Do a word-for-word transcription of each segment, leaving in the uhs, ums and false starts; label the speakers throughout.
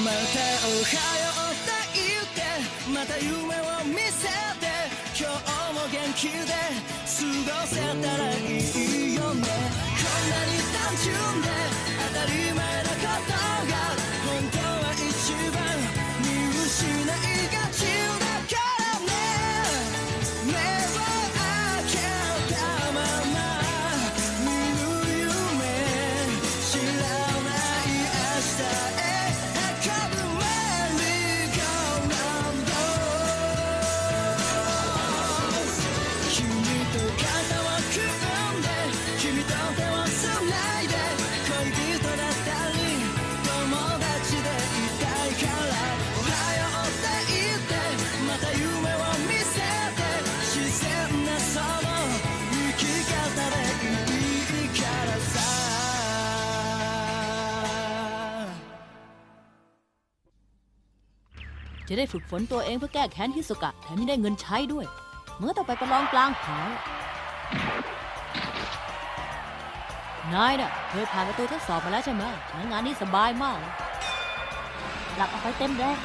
Speaker 1: จะได้ฝึกฝนตัวเองเพื่อแก้แค้นฮิสุกะแถมยังได้เงินใช้ด้วยเมื่อต้องไปประลองกลางหานายน่ะเคยผ่านประตูทดสอบมาแล้วใช่ไหมงั้นงานนี้สบายมากเลยหลับออกไปเต็มแรง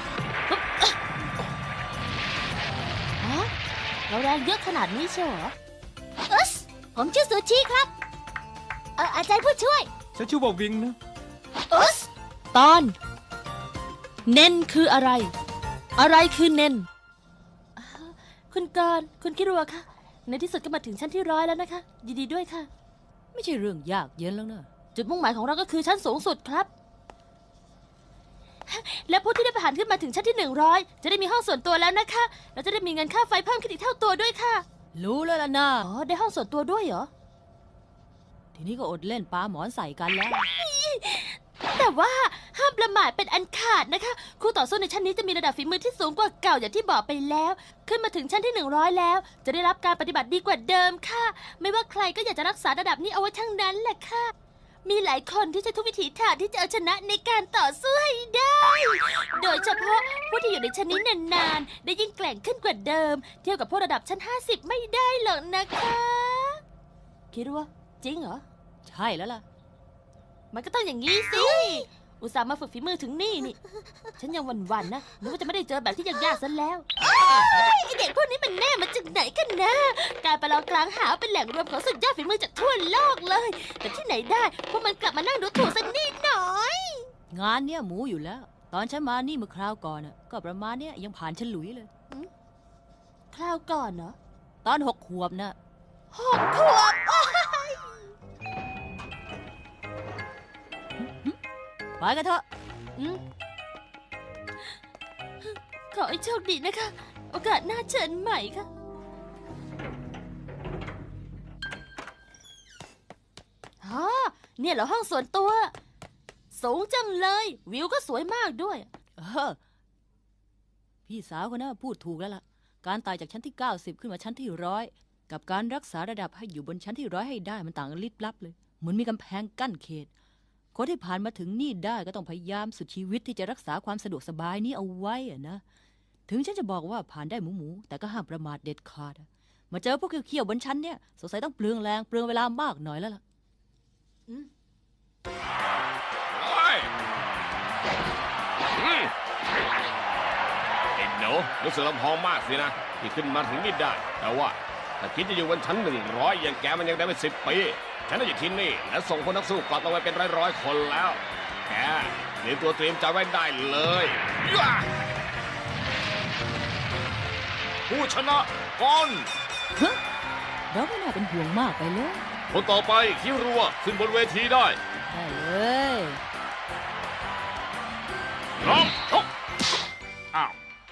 Speaker 1: ฮะเราแรงเยอะขนาดนี้เชียวเหรออึ๊สผมชื่อซูชิครับเอออาจารย์ผู้ช่วย
Speaker 2: ฉันชื่อว่าวิงนะ
Speaker 1: อึ๊สตอนเน้นคืออะไรอะไรคือเน้นคุณกรณ์คุณคิรัวคะในที่สุดก็มาถึงชั้นที่ร้อยแล้วนะคะยินดีด้วยค่ะไม่ใช่เรื่องยากเย็นแล้วนะจุดมุ่งหมายของเราก็คือชั้นสูงสุดครับและผู้ที่ได้ผ่านขึ้นมาถึงชั้นที่หนึ่งร้อยจะได้มีห้องส่วนตัวแล้วนะคะเราจะได้มีเงินค่าไฟเพิ่มขึ้นอีกเท่าตัวด้วยค่ะรู้แล้วล่ะนะอ๋อได้ห้องส่วนตัวด้วยเหรอทีนี้ก็อดเล่นปาหมอนใส่กันแล้วแต่ว่าห้ามประมาทเป็นอันขาดนะคะคู่ต่อสู้ในชั้นนี้จะมีระดับฝีมือที่สูงกว่าเก่าอย่างที่บอกไปแล้วขึ้นมาถึงชั้นที่หนึ่งร้อยแล้วจะได้รับการปฏิบัติดีกว่าเดิมค่ะไม่ว่าใครก็อยากจะรักษาระดับนี้เอาไว้ทั้งนั้นแหละค่ะมีหลายคนที่ใช้ทุกวิถีทางที่จะเอาชนะในการต่อสู้ให้ได้โดยเฉพาะผู้ที่อยู่ในชั้นนี้นานๆได้ยิ่งแกร่งขึ้นกว่าเดิมเทียบกับพวกระดับชั้นห้าสิบไม่ได้หรอกนะคะคิดว่าจริงเหรอใช่แล้วล่ะมันก็ต้องอย่างนี้สิอุตส่าห์มาฝึกฝีมือถึงนี่นี่ฉันยังหวั่นๆนะนึกว่าจะไม่ได้เจอแบบที่ยากๆซะแล้วไอเด็กพวกนี้มันแน่มาจากไหนกันนะการประลองกลางหาเป็นแหล่งรวมของสุดยอดฝีมือจากทั่วโลกเลยแต่ที่ไหนได้พวกมันกลับมานั่งดูถูกสักนิดหน่อยงานเนี้ยหมูอยู่แล้วตอนฉันมานี่เมื่อคราวก่อนน่ะก็ประมาณเนี้ยยังผ่านฉลุยเลยคราวก่อนเหรอตอนหกขวบน่ะหกขวบไปกันเถอะขอให้โชคดีนะคะ โอกาสหน้าเชิญใหม่ค่ะอ๋อเนี่ยเหรอห้องส่วนตัวสูงจังเลยวิวก็สวยมากด้วยเออพี่สาวคนนั้นพูดถูกแล้วล่ะการไต่จากชั้นที่เก้าสิบขึ้นมาชั้นที่ร้อยกับการรักษาระดับให้อยู่บนชั้นที่ร้อยให้ได้มันต่างกันลิบลับเลยเหมือนมีกำแพงกั้นเขตคนที่ผ่านมาถึงนี่ได้ก็ต้องพยายามสุดชีวิตที่จะรักษาความสะดวกสบายนี้เอาไว้อะนะถึงฉันจะบอกว่าผ่านได้หมูหมูแต่ก็ห้ามประมาทเด็ดขาดมาเจอพวกเขี้ยวๆบนชั้นเนี่ยสงสัยต้องเปลืองแรงเปลืองเวลามากหน่อยแล้วล่ะอืม
Speaker 3: ไอ้หนูรู้สึกลำพองมากสินะที่ขึ้นมาถึงนี่ได้แต่ว่าถ้าคิดจะอยู่บนชั้นหนึ่งร้อยอย่างแกมันยังได้ไม่สิบปีฉันได้อยู่ที่นี่และส่งคนนักสู้กลับมาไว้เป็นร้อยๆคนแล้วแกเตรียมตัวเตรียมใจไว้ได้เลยผู้ชนะก่อน
Speaker 1: เราไม่น่าเป็นห่วงมากไปเลย
Speaker 3: คนต่อไปคิรัวขึ้นบนเวทีได้
Speaker 1: ได้เลย
Speaker 3: ร้องชกอ้าว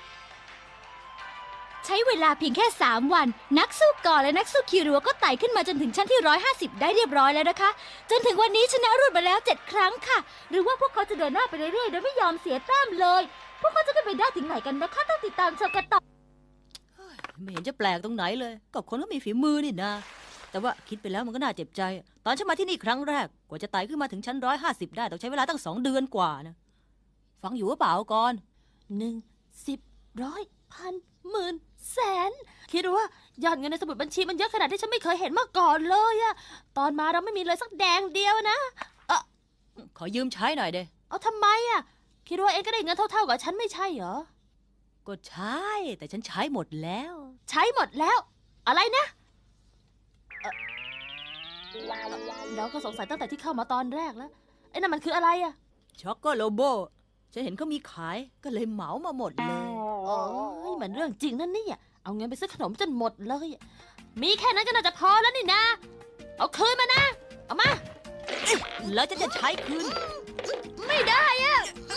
Speaker 4: ใช้เวลาเพียงแค่สามวันนักสู้ก่อนและนักสู้คิรัวก็ไต่ขึ้นมาจนถึงชั้นที่หนึ่งร้อยห้าสิบได้เรียบร้อยแล้วนะคะจนถึงวันนี้ชนะรวดมาแล้วเจ็ดครั้งค่ะหรือว่าพวกเขาจะเดินหน้าไปเรื่อยๆโดยไม่ยอมเสียแต้มเลยพวกเขาจะขึ้นไปได้ถึงไหนกันนะคะต้องติดตามชมกันต่อ
Speaker 1: ไม่เห็นจะแปลกตรงไหนเลยก็คนก็มีฝีมือนี่นะแต่ว่าคิดไปแล้วมันก็น่าเจ็บใจตอนฉันมาที่นี่ครั้งแรกกว่าจะไต่ขึ้นมาถึงชั้นร้อยห้าสิบได้ต้องใช้เวลาตั้งสองเดือนกว่านะฟังอยู่หรือเปล่าก่อนหนึ่งสิบร้อยพันหมื่นแสนคิดว่ายอดเงินในสมุดบัญชีมันเยอะขนาดที่ฉันไม่เคยเห็นมาก่อนเลยอะตอนมาเราไม่มีเลยสักแดงเดียวนะเออขอยืมใช้หน่อยเด้เอาทำไมอะคิดว่าเองก็ได้เงินเท่าๆกับฉันไม่ใช่เหรอ
Speaker 2: ก็ใช่แต่ฉันใช้หมดแล้ว
Speaker 1: ใช้หมดแล้ว อะไรนะเอ่อเราก็สงสัยตั้งแต่ที่เข้ามาตอนแรกแล้วไอ้นั่นมันคืออะไรอะ
Speaker 2: ช็อกโกโลโบฉันเห็นเขามีขายก็เลยเหมามาหมดเลย
Speaker 1: โอ้ยมันเรื่องจริงนั่นนี่อะเอาเงินไปซื้อขนมจนหมดเลยอะมีแค่นั้นก็น่าจะพอแล้วนี่นะ เอาคืนมานะ เอามา
Speaker 2: แล้วจะจะใช้คืน
Speaker 1: ไม่ได้อะ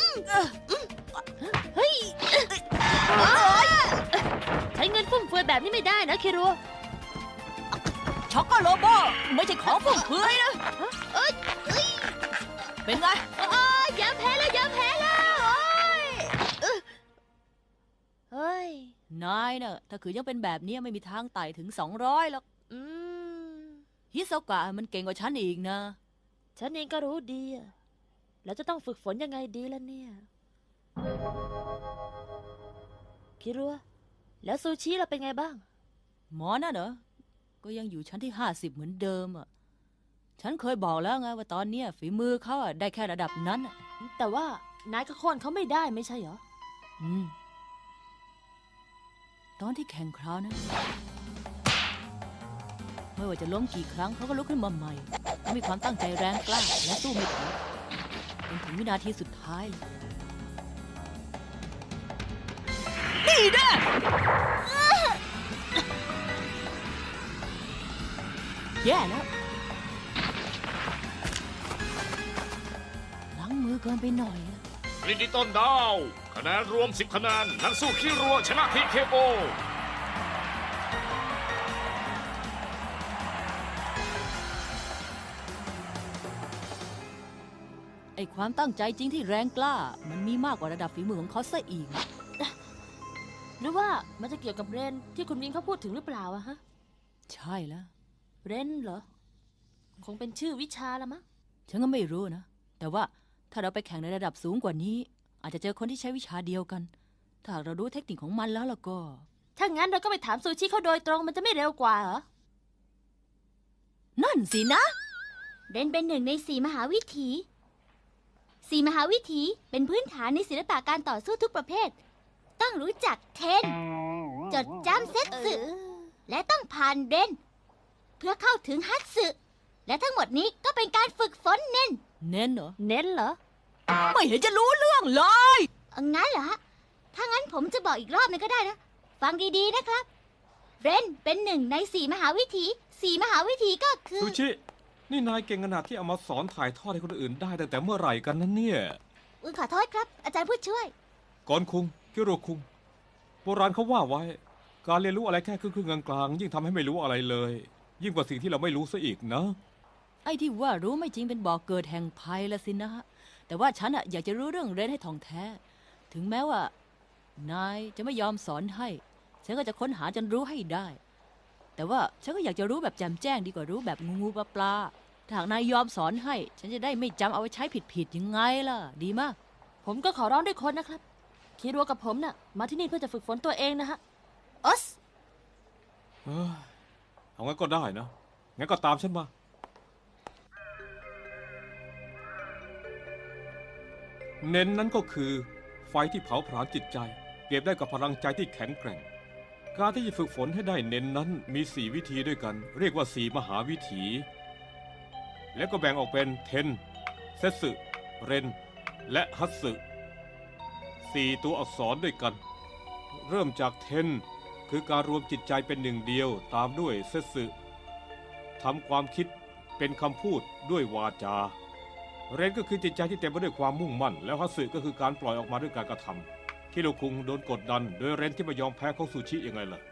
Speaker 1: เฮ้ยใช้เงินฟุ่มเฟือยแบบนี้ไม่ได้นะคิรัว
Speaker 2: ช็อกโกโลโบไม่ใช่ของฟุ่มเฟือยนะเป็นไง
Speaker 1: ยอมแพ้แล้วยอมแพ้แล้วโอ้ยเฮ้ย
Speaker 2: นายเนอะถ้าคือยังเป็นแบบนี้ไม่มีทางไต่ถึงสองร้อยหรอก
Speaker 1: อืม
Speaker 2: ฮิโซกะมันเก่งกว่าฉันอีกนะ
Speaker 1: ฉันเองก็รู้ดีอะแล้วจะต้องฝึกฝนยังไงดีล่ะเนี่ย คิรัว แล้วซูชิเราเป็นไงบ้าง
Speaker 2: หมอน่ะเหรอก็ยังอยู่ชั้นที่ห้าสิบเหมือนเดิมอ่ะฉันเคยบอกแล้วไงว่าตอนเนี้ยฝีมือเขาอะได้แค่ระดับนั้นอะ
Speaker 1: แต่ว่านายก็โค่นเขาไม่ได้ไม่ใช่เหรอ
Speaker 2: อืมตอนที่แข่งคราวนั้นไม่ว่าจะล้มกี่ครั้งเขาก็ลุกขึ้นมาใหม่เขามีความตั้งใจแรงกล้าและสู้ไม่ถอยจนถึงวินาทีสุดท้ายเลยนี่แน่แย่แล้วล้างมือเกินไปหน่อยอะ
Speaker 3: ลินดิต้นดาวคะแนนรวมสิบคะแนนนักสู้คิรัวชนะทีเคโอ
Speaker 2: ไอความตั้งใจจริงที่แรงกล้า มันมีมากกว่าระดับฝีมือของเขาซะอีก
Speaker 1: หรือว่ามันจะเกี่ยวกับเรนที่คุณวินเขาพูดถึงหรือเปล่าอะฮะ
Speaker 2: ใช่แล้ว
Speaker 1: เรนเหรอ คงเป็นชื่อวิชาละมั้ง
Speaker 2: ฉันก็ไม่รู้นะ แต่ว่าถ้าเราไปแข่งในระดับสูงกว่านี้ อาจจะเจอคนที่ใช้วิชาเดียวกัน ถ้าหากเรารู้เทคนิคของมันแล้วล่ะก็
Speaker 1: ถ้างั้นเราก็ไปถามซูชิเขาโดยตรงมันจะไม่เร็วกว่าเหรอ
Speaker 2: นั่นสินะ
Speaker 4: เรนเป็นหนึ่งในสี่มหาวิถีสี่มหาวิถีเป็นพื้นฐานในศิลปะการต่อสู้ทุกประเภท ต้องรู้จักเทน จดจำเซตสึ และต้องผ่านเรน เพื่อเข้าถึงฮัตสึ และทั้งหมดนี้ก็เป็นการฝึกฝนเน้น
Speaker 2: เน้นเหรอ
Speaker 1: เน้นเหรอ
Speaker 2: ไม่เห็นจะรู้เรื่องเลย
Speaker 4: เอางั้นเหรอฮะ ถ้างั้นผมจะบอกอีกรอบนึงก็ได้นะ ฟังดีๆนะครับ เรนเป็นหนึ่งในสี่มหาวิถีสี่มหาวิถีก็คือ
Speaker 5: ซูชิ นี่นายเก่งขนาดที่เอามาสอนถ่ายทอดให้คนอื่นได้ตั้งแต่เมื่อไหร่กันนั้นเนี่ย
Speaker 4: อุ้ยขอโทษครับ อาจารย์ผู้ช่วย
Speaker 5: ก่อนคุงคิโรคุงโบราณเขาว่าไว้ การเรียนรู้อะไรแค่ครึ่งๆกลางๆยิ่งทำให้ไม่รู้อะไรเลย ยิ่งกว่าสิ่งที่เราไม่รู้ซะอีกนะ
Speaker 2: ไอ้ที่ว่ารู้ไม่จริงเป็นบ่อกเกิดแห่งภัยละสินะฮะ แต่ว่าฉันอะอยากจะรู้เรื่องเรนให้ท่องแท้ ถึงแม้ว่า นายจะไม่ยอมสอนให้ ฉันก็จะค้นหาจนรู้ให้ได้ แต่ว่าฉันก็อยากจะรู้แบบแจ่มแจ้งดีกว่ารู้แบบงูงูปลาปลาถ้าหากนายยอมสอนให้ ฉันจะได้ไม่จำเอาไว้ใช้ผิดๆยังไงล่ะ ดีมาก
Speaker 1: ผมก็ขอร้องด้วยคนนะครับ คิรัวกับผมน่ะ มาที่นี่เพื่อจะฝึกฝนตัวเองนะฮะออส
Speaker 5: เอ้ยเอางั้นก็ได้นะ งั้นก็ตามฉันมา เน้นนั้นก็คือ ไฟที่เผาผลาญจิตใจ เปรียบได้กับพลังใจที่แข็งแกร่ง การที่จะฝึกฝนให้ได้เน้นนั้นมีสี่วิธีด้วยกัน เรียกว่าสี่มหาวิถี และก็แบ่งออกเป็นเทน เซตสึ เรน และฮัตสึสี่ตัวอักษรด้วยกัน เริ่มจากเทน คือการรวมจิตใจเป็นหนึ่งเดียวตามด้วยเซตสึทำความคิดเป็นคำพูดด้วยวาจา เรนก็คือจิตใจที่เต็มไปด้วยความมุ่งมั่น แล้วฮัตสึก็คือการปล่อยออกมาด้วยการกระทำคิโรคุงโดนกดดันโดยเรนที่ไม่ยอมแพ้ของซูชิยังไงล่ะ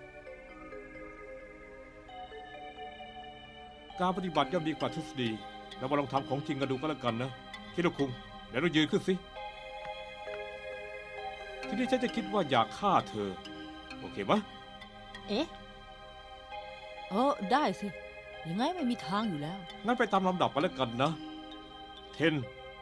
Speaker 5: การปฏิบัติย่อมดีกว่าทฤษฎีเรามาลองทำของจริงกันดูก็แล้วกันนะคิโรคุงเดี๋ยวเรายืนขึ้นสิทีนี้ฉันจะคิดว่าอยากฆ่าเธอโอเคไหม
Speaker 1: เอ๊ะ
Speaker 2: เออได้สิ ยังไงไม่มีทางอยู่แล้ว
Speaker 5: งั้นไปตามลำดับกันแล้วกันนะเทน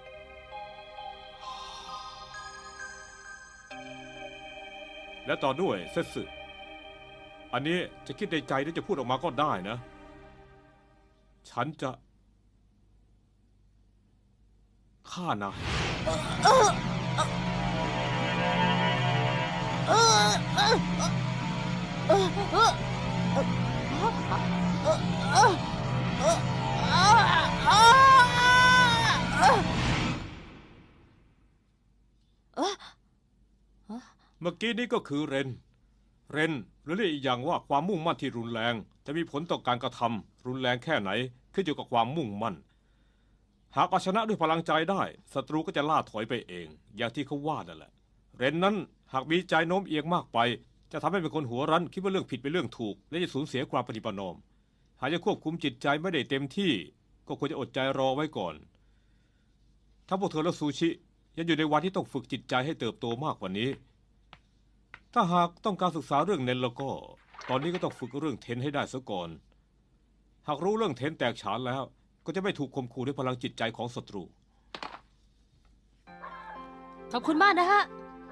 Speaker 5: และต่อด้วยเซตสึอันนี้จะคิดในใจหรือจะพูดออกมาก็ได้นะ ฉันจะฆ่านายเมื่อกี้นี้ก็คือเรน เรนหรือเรียกอีกอย่างว่าความมุ่งมั่นที่รุนแรงจะมีผลต่อการกระทำรุนแรงแค่ไหนขึ้นอยู่กับความมุ่งมั่นหากเอาชนะด้วยพลังใจได้ศัตรูก็จะล่าถอยไปเองอย่างที่เขาว่านั่นแหละเรนนั้นหากมีใจโน้มเอียงมากไปจะทำให้เป็นคนหัวรั้นคิดว่าเรื่องผิดเป็นเรื่องถูกและจะสูญเสียความปฏิบัตินอมหากจะควบคุมจิตใจไม่ได้เต็มที่ก็ควรจะอดใจรอไว้ก่อนถ้าพวกเธอและซูชิยังอยู่ในวันที่ต้องฝึกจิตใจให้เติบโตมากกว่านี้ถ้าหากต้องการศึกษาเรื่องเน้นแล้วก็ตอนนี้ก็ต้องฝึกเรื่องเทนให้ได้ซะก่อนหากรู้เรื่องเทนแตกฉานแล้วก็จะไม่ถูกข่มขู่ด้วยพลังจิตใจของศัตรู
Speaker 1: ขอบคุณมากนะฮะ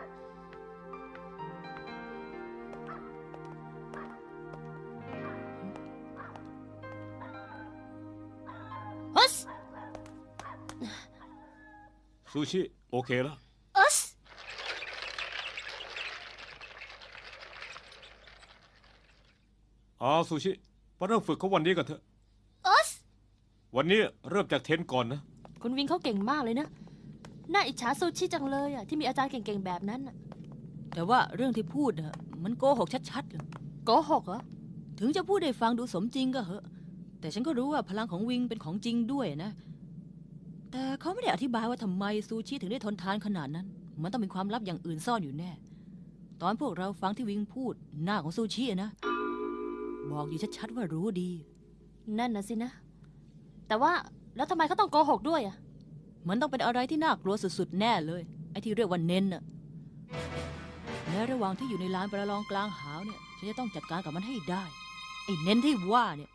Speaker 1: ฮัส
Speaker 5: ซูชิโอเคแล้ว
Speaker 4: อัส
Speaker 5: อ๋อซูชิมาเริ่มฝึกเขาวันนี้กันเถอะ
Speaker 4: อัส
Speaker 5: วันนี้เริ่มจากเทนก่อนนะ
Speaker 1: คุณวิงเขาเก่งมากเลยนะน่าอิจฉาซูชิจังเลยอ่ะที่มีอาจารย์เก่งๆแบบนั้นน่ะ
Speaker 2: แต่ว่าเรื่องที่พูดน่ะมันโกหกชัดๆเลย
Speaker 1: โกหกเหรอ
Speaker 2: ถึงจะพูดได้ฟังดูสมจริงก็เหอะแต่ฉันก็รู้ว่าพลังของวิงเป็นของจริงด้วยนะแต่เขาไม่ได้อธิบายว่าทำไมซูชิถึงได้ทนทานขนาดนั้นมันต้องมีความลับอย่างอื่นซ่อนอยู่แน่ตอนพวกเราฟังที่วิงพูดหน้าของซูชินะบอกอยู่ชัดๆว่ารู้ดี
Speaker 1: นั่นนะสินะแต่ว่าแล้วทำไมเขาต้องโกหกด้วยอ่ะ
Speaker 2: มันต้องเป็นอะไรที่น่ากลัวสุดๆแน่เลยไอ้ที่เรียกว่าเน้นน่ะในระหว่างที่อยู่ในลานประลองกลางหาวเนี่ยฉันจะต้องจัดการกับมันให้ได้ไอ้เน้นที่ว่าเนี่ย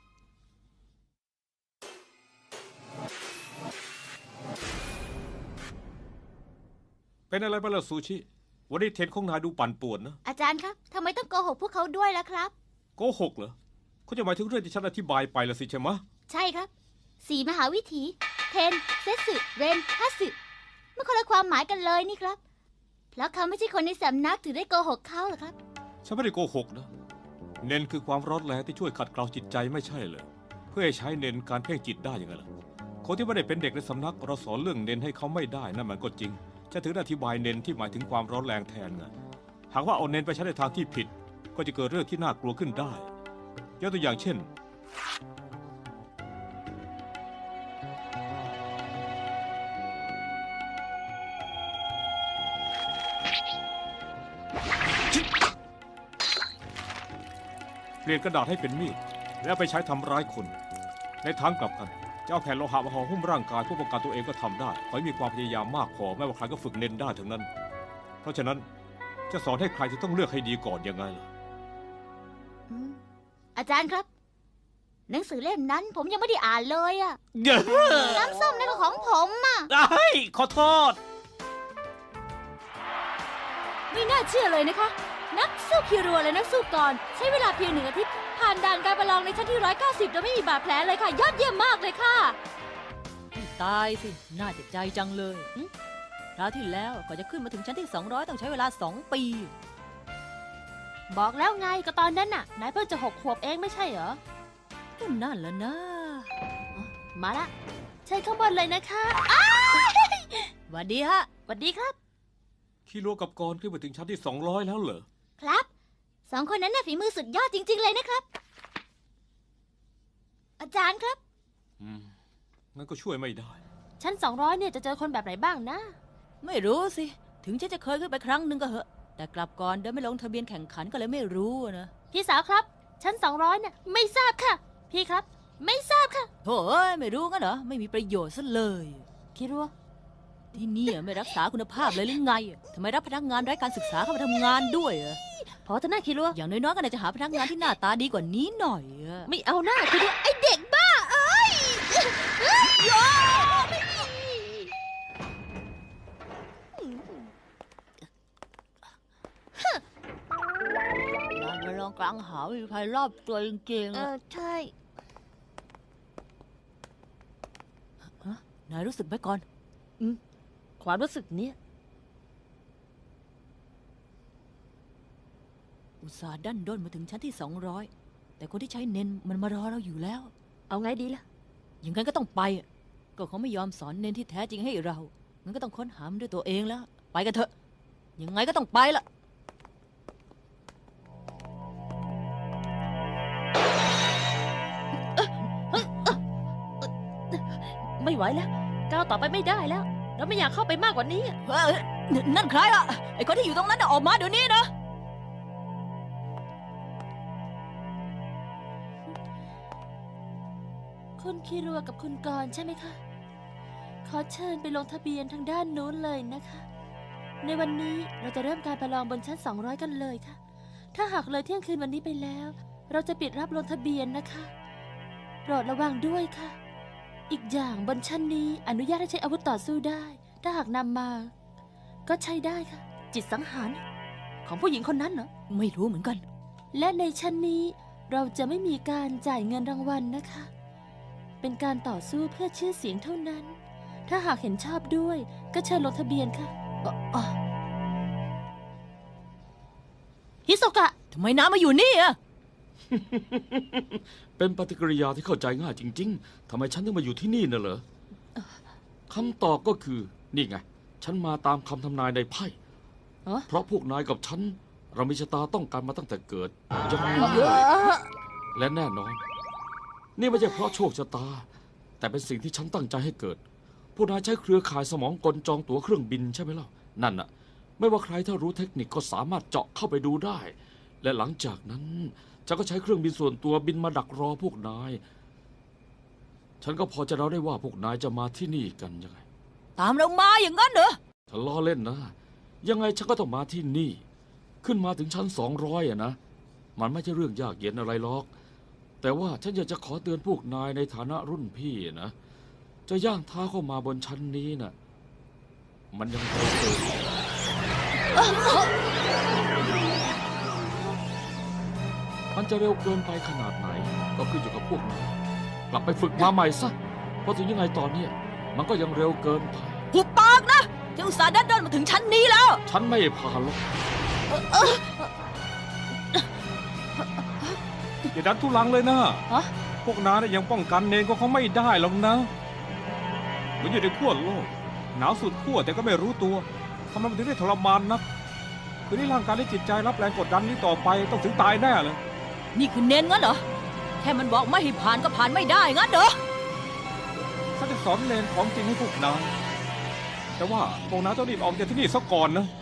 Speaker 5: เป็นอะไรไปล่ะซูชิวันนี้เทนของนายดูปั่นป่วนนะ
Speaker 4: อาจารย์ครับทำไมต้องโกหกพวกเขาด้วยล่ะครับ
Speaker 5: โกหกเหรอเขาจะหมายถึงเรื่องที่ฉันอธิบายไปละสิใช่ไหม
Speaker 4: ใช่ครับสี่มหาวิถีเทนเซสึเรนฮัสึมันคนละความหมายกันเลยนี่ครับแล้วเขาไม่ใช่คนในสำนักถึงได้โกหกเขาหรอครับ
Speaker 5: ฉันไม่ได้โกหกนะเน้นคือความร้อนแรงที่ช่วยขัดเกลาจิตใจไม่ใช่เหรอเพื่อให้ใช้เน้นการเพ่งจิตได้ยังไงล่ะคนที่ไม่ได้เป็นเด็กในสำนักเราสอนเรื่องเน้นให้เขาไม่ได้นั่นมันก็จริงจะถึงอธิบายเน้นที่หมายถึงความร้อนแรงแทนไงหากว่าเอาเน้นไปใช้ในทางที่ผิดก็จะเกิดเรื่องที่น่ากลัวขึ้นได้ยกตัวอย่างเช่นเปลี่ยนกระดาษให้เป็นมีดแล้วไปใช้ทำร้ายคนในทางกลับกันจะเอาแผ่นโลหะมาห่อหุ้มร่างกายเพื่อป้องกันตัวเองก็ทำได้ขอให้มีความพยายามมากพอไม่ว่าใครก็ฝึกเน้นได้ทั้งนั้นเพราะฉะนั้นจะสอนให้ใครจะต้องเลือกให้ดีก่อนยังไงล่ะ
Speaker 4: อาจารย์ครับหนังสือเล่มนั้นผมยังไม่ได้อ่านเลยอะน้ำส้มนั่นก็ของผมอะ
Speaker 5: เฮ้ยขอโทษ
Speaker 4: ไม่น่าเชื่อเลยนะคะนักสู้คิรัวและนักสู้กรใช้เวลาเพียงหนึ่งอาทิตย์ผ่านด่านการประลองในชั้นที่ร้อยเก้าสิบโดยไม่มีบาดแผลเลยค่ะยอดเยี่ยมมากเลยค่ะ
Speaker 2: ตายสิน่าเจ็บใจจังเลยคราวที่แล้วก่อนจะขึ้นมาถึงชั้นที่สองร้อยต้องใช้เวลาสองปี
Speaker 1: บอกแล้วไงก็ตอนนั้นน่ะนายเพิ่งจะหกขวบเองไม่ใช่เหรอ
Speaker 2: ก็นั่นแหละนะ
Speaker 1: มาละเชิญข้างบนเลยนะคะ
Speaker 2: หวัดดีฮะ
Speaker 1: หวัดดีครับ
Speaker 5: คิรัวกับกรขึ้นมาถึงชั้นที่สองร้อยแล้วเหรอ
Speaker 4: ครับสองคนนั้นน่ะฝีมือสุดยอดจริงๆเลยนะครับอาจารย์ครับ
Speaker 5: อืมงั้นก็ช่วยไม่ได้
Speaker 1: ชั้นสองร้อยเนี่ยจะเจอคนแบบไหนบ้างนะ
Speaker 2: ไม่รู้สิถึงฉันจะเคยขึ้นไปครั้งหนึ่งก็เหอะแต่กลับก่อนเดินไม่ลงทะเบียนแข่งขันก็เลยไม่รู้นะ
Speaker 1: พี่สาวครับชั้นสองร้อยเนี่ยไม่ทราบค่ะพี่ครับไม่ทราบค่ะ
Speaker 2: โถ่เอ้ยไม่รู้กันเหรอไม่มีประโยชน์ซะเลย
Speaker 1: คิรัว
Speaker 2: ที่นี่ไม่รักษาคุณภาพเลยหรือไงทำไมรับพนักงานไร้การศึกษาเข้ามาทำงานด้วย
Speaker 1: พอจะน่าคิรัว
Speaker 2: อย่างน้อยๆก็น่าจะหาพนักงานที่หน้าตาดีกว่านี้หน่อย
Speaker 1: ไม่เอาหน้าคิรัวไอเด็กบ้าเอ้ย
Speaker 2: ลานประลองกลางหาวิภัยรอบตัวจริงๆ
Speaker 1: เออใช่
Speaker 2: นายรู้สึกไหมก่อน
Speaker 1: อืมความรู้สึกเนี้ย
Speaker 2: ตส่าห์ดันด้นมาถึงชั้นที่สองร้อยแต่คนที่ใช้เน้นมันมารอเราอยู่แล้ว
Speaker 1: เอาไงดีล่ะ
Speaker 2: อย่างนั้นก็ต้องไปอะก็เขาไม่ยอมสอนเน้นที่แท้จริงให้เรางั้นก็ต้องค้นหามันด้วยตัวเองแล้ว ไปกันเถอะ ยังไงก็ต้องไปละ
Speaker 1: ไม่ไหวแล้วก้าวต่อไปไม่ได้แล้ว เราไม่อยากเข้าไปมากกว่านี้อะ
Speaker 2: เอ้ยนั่นใครล่ะ ไอ้คนที่อยู่ตรงนั้นน่ะออกมาเดี๋ยวนี้นะ
Speaker 1: คุณคีรัวกับคุณกรณ์ใช่ไหมคะ ขอเชิญไปลงทะเบียนทางด้านนู้นเลยนะคะ ในวันนี้เราจะเริ่มการประลองบนชั้นสองร้อยกันเลยค่ะ ถ้าหากเลยเที่ยงคืนวันนี้ไปแล้ว เราจะปิดรับลงทะเบียนนะคะโปรดระวังด้วยค่ะ อีกอย่างบนชั้นนี้อนุญาตให้ใช้อาวุธต่อสู้ได้ ถ้าหากนำมา ก็ใช้ได้ค่ะ จิตสังหารของผู้หญิงคนนั้นเหรอ
Speaker 2: ไม่รู้เหมือนกัน
Speaker 1: และในชั้นนี้เราจะไม่มีการจ่ายเงินรางวัลนะคะ เป็นการต่อสู้เพื่อชื่อเสียงเท่านั้น ถ้าหากเห็นชอบด้วยก็เชิญลงทะเบียนค่ะอ๋ออ๋อฮิโซกะ
Speaker 2: ทำไมน้ามาอยู่นี่อะ
Speaker 6: เป็นปฏิกิริยาที่เข้าใจง่ายจริงๆ ทำไมฉันถึงมาอยู่ที่นี่น่ะเหรอ คำตอบก็คือ นี่ไง ฉันมาตามคำทำนายในไพ่
Speaker 1: อ๋อ
Speaker 6: เพราะพวกนายกับฉัน เรามีชะตาต้องการมาตั้งแต่เกิดยังไง
Speaker 1: เออ
Speaker 6: และแน่นอน นี่ไม่ใช่เพราะโชคชะตา แต่เป็นสิ่งที่ฉันตั้งใจให้เกิด พวกนายใช้เครือข่ายสมองกลจองตั๋วเครื่องบินใช่ไหมล่ะ นั่นน่ะ ไม่ว่าใครถ้ารู้เทคนิคก็สามารถเจาะเข้าไปดูได้ และหลังจากนั้นฉันก็ใช้เครื่องบินส่วนตัวบินมาดักรอพวกนาย ฉันก็พอจะเดาได้ว่าพวกนายจะมาที่นี่กันยังไง
Speaker 2: ตามเรามาอย่างนั้นเหรอ
Speaker 6: ฉันล้อเล่นนะ ยังไงฉันก็ต้องมาที่นี่ ขึ้นมาถึงชั้นสองร้อยอะนะ มันไม่ใช่เรื่องยากเย็นอะไรหรอก แต่ว่าฉันอยากจะขอเตือนพวกนายในฐานะรุ่นพี่นะ จะย่างเท้าเข้ามาบนชั้นนี้น่ะ มันยังเร็วเกินมันจะเร็วเกินไปขนาดไหน ก็ขึ้นอยู่กับพวกนายกลับไปฝึกมาใหม่ซะ เพราะถึงยังไงตอนเนี้ยมันก็ยังเร็วเกินไป
Speaker 2: หุบปากนะที่อุตส่าห์ดันด้นมาถึงชั้นนี้แล้ว
Speaker 6: ฉันไม่ผ่านหรอก
Speaker 5: อย่าดันทุลังเลยนะ
Speaker 1: ฮะ
Speaker 5: พวกน้าเนี่ยยังป้องกันเนนก็เขาไม่ได้หรอกนะเหมือนอยู่ในขั้วโลก หนาวสุดขั้วแต่ก็ไม่รู้ตัวทำไมมันถึงได้ทรมานนักคือนี่ร่างกายและจิตใจรับแรงกดดันนี้ต่อไปต้องถึงตายแน่เลย
Speaker 2: นี่คือเน้นงั้นเหรอ แค่มันบอกไม่ให้ผ่านก็ผ่านไม่ได้งั้นเหรอ
Speaker 5: ฉันจะสอนเนนของจริงให้พวกนายแต่ว่าพวกน้าต้องรีบออกจากที่นี่ซะก่อนนะ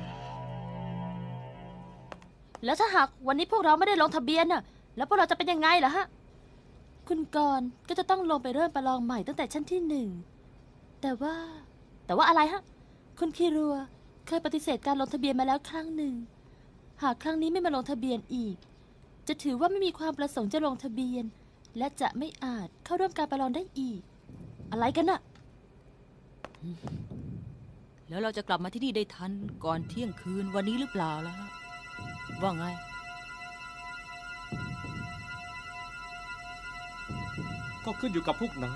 Speaker 1: แล้วถ้าหากวันนี้พวกเราไม่ได้ลงทะเบียนน่ะ แล้วพวกเราจะเป็นยังไงล่ะฮะ คุณกรณ์ก็จะต้องลงไปเริ่มประลองใหม่ตั้งแต่ชั้นที่หนึ่ง แต่ว่า แต่ว่าอะไรฮะ คุณคีรัวเคยปฏิเสธการลงทะเบียนมาแล้วครั้งหนึ่ง หากครั้งนี้ไม่มาลงทะเบียนอีก จะถือว่าไม่มีความประสงค์จะลงทะเบียน และจะไม่อาจเข้าร่วมการประลองได้อีก อะไรกันน่ะ
Speaker 2: แล้วเราจะกลับมาที่นี่ได้ทันก่อนเที่ยงคืนวันนี้หรือเปล่าล่ะ ว่าไง
Speaker 5: ก็ขึ้นอยู่กับพวกนาย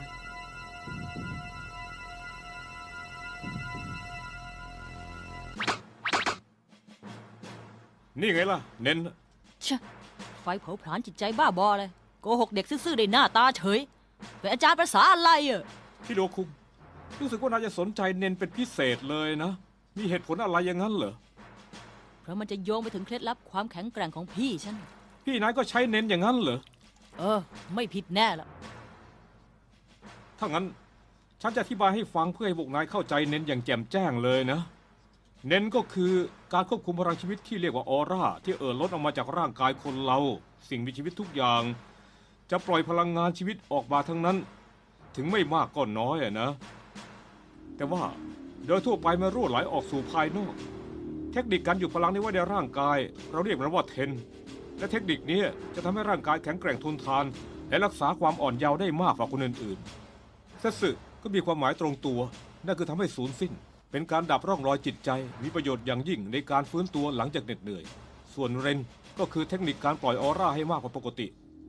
Speaker 5: นี่ไงล่ะ เน้น
Speaker 2: ชะ ไฟเผาผลาญจิตใจบ้าบอเลยโกหกเด็กซื่อๆได้หน้าตาเฉย เป็นอาจารย์ภาษาอะไรอ่ะ
Speaker 5: ที่โดคุงรู้สึกว่านายจะสนใจเน้นเป็นพิเศษเลยนะ มีเหตุผลอะไรอย่างนั้นเหรอ
Speaker 2: เพราะมันจะโยงไปถึงเคล็ดลับความแข็งแกร่งของพี่ฉัน
Speaker 5: พี่นายก็ใช้เน้นอย่างนั้นเหรอ
Speaker 2: เออ ไม่ผิดแน่ละ
Speaker 5: ถ้างั้น ฉันจะอธิบายให้ฟังเพื่อให้พวกนายเข้าใจเน้นอย่างแจ่มแจ้งเลยนะ เน้นก็คือการควบคุมพลังชีวิตที่เรียกว่าออร่าที่เอ่อล้นออกมาจากร่างกายคนเรา สิ่งมีชีวิตทุกอย่าง จะปล่อยพลังงานชีวิตออกมาทั้งนั้น ถึงไม่มากก็น้อยอะนะ แต่ว่าโดยทั่วไปมันรั่วไหลออกสู่ภายนอก เทคนิคการหยุดพลังนี้ไว้ในร่างกาย เราเรียกมันว่าเทน และเทคนิคนี้จะทำให้ร่างกายแข็งแกร่งทนทาน และรักษาความอ่อนเยาว์ได้มากกว่าคนอื่นๆ เซสึก็มีความหมายตรงตัว นั่นคือทำให้สูญสิ้น เป็นการดับร่องรอยจิตใจ มีประโยชน์อย่างยิ่งในการฟื้นตัวหลังจากเหน็ดเหนื่อย ส่วนเรนก็คือเทคนิคการปล่อยออร่าให้มากกว่าปกติ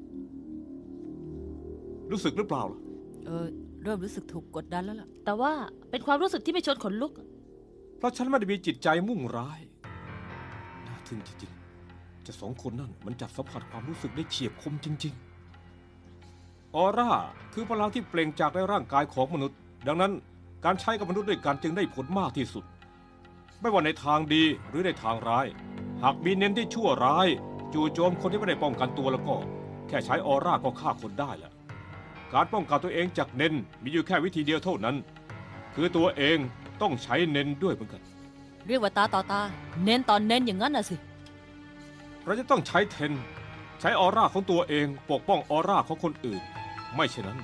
Speaker 5: รู้สึกหรือเปล่าล่ะ
Speaker 2: เออ เริ่มรู้สึกถูกกดดันแล้วล่ะ
Speaker 1: แต่ว่าเป็นความรู้สึกที่ไม่ชวนขนลุก
Speaker 5: เพราะฉันไม่ได้มีจิตใจมุ่งร้ายน่าทึ่งจริงจะสองคนนั่นมันจัดสัมผัสความรู้สึกได้เฉียบคมจริงๆออร่าคือพลังที่เปล่งจากในร่างกายของมนุษย์ดังนั้นการใช้กับมนุษย์ด้วยกันจึงได้ผลมากที่สุดไม่ว่าในทางดีหรือในทางร้ายหากมีเน้นที่ชั่วร้ายจู่โจมคนที่ไม่ได้ป้องกันตัวแล้วก็แค่ใช้ออร่าก็ฆ่าคนได้แหละการป้องกันตัวเองจากเน้นมีอยู่แค่วิธีเดียวเท่านั้นคือตัวเองต้องใช้เน้นด้วยเหมือนกัน
Speaker 2: เรียกว่าตาต่อตาเน้นตอนเน้นอย่างนั้นน่ะสิ
Speaker 5: เราจะต้องใช้เทนใช้ออร่าของตัวเองปกป้องออร่าของคนอื่นไม่เช่นนั้น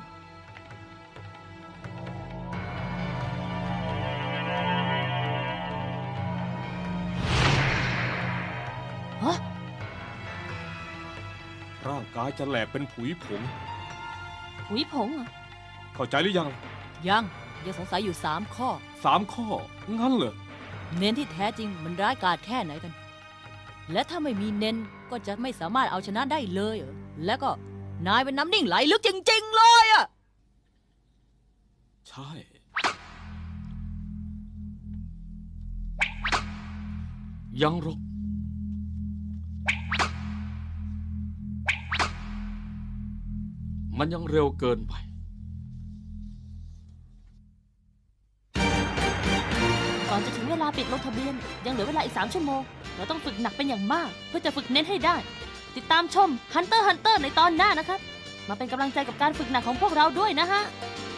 Speaker 1: ฮะ
Speaker 5: ร่างกายจะแหลกเป็นผุยผง
Speaker 1: ผุยผงเหรอ
Speaker 5: เข้าใจหรือยัง
Speaker 2: ยังยังสงสัยอยู่สามข้อ
Speaker 5: สามข้องั้นเหรอ
Speaker 2: เน้นที่แท้จริงมันร้ายกาจแค่ไหนกันและถ้าไม่มีเน้นก็จะไม่สามารถเอาชนะได้เลยแล้วก็นายเป็นน้ำนิ่งไหลลึกจริงๆเลยอ่ะ
Speaker 5: ใช่
Speaker 6: ยังหรอกมันยังเร็วเกินไป
Speaker 1: ก่อนจะถึงเวลาปิดลงทะเบียนยังเหลือเวลาอีกสามชั่วโมงเราต้องฝึกหนักเป็นอย่างมากเพื่อจะฝึกเน้นให้ได้ติดตามชม Hunter x Hunter ในตอนหน้านะครับมาเป็นกำลังใจกับการฝึกหนักของพวกเราด้วยนะฮะ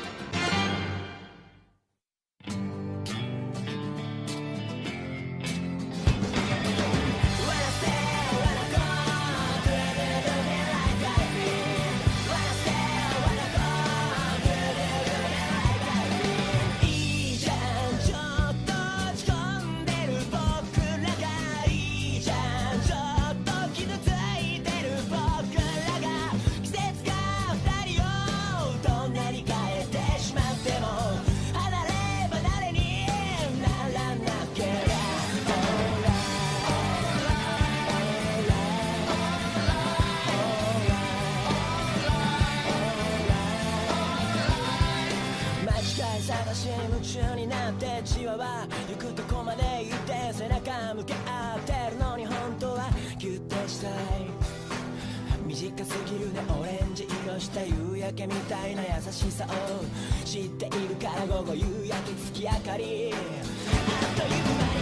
Speaker 7: 夢中になってじわわ行くとこまで行って背中向け合ってるのに本当はギュッてしたい短すぎるねオレンジ色した夕焼けみたいな優しさを知っているから午後夕焼け月明かりあっという間に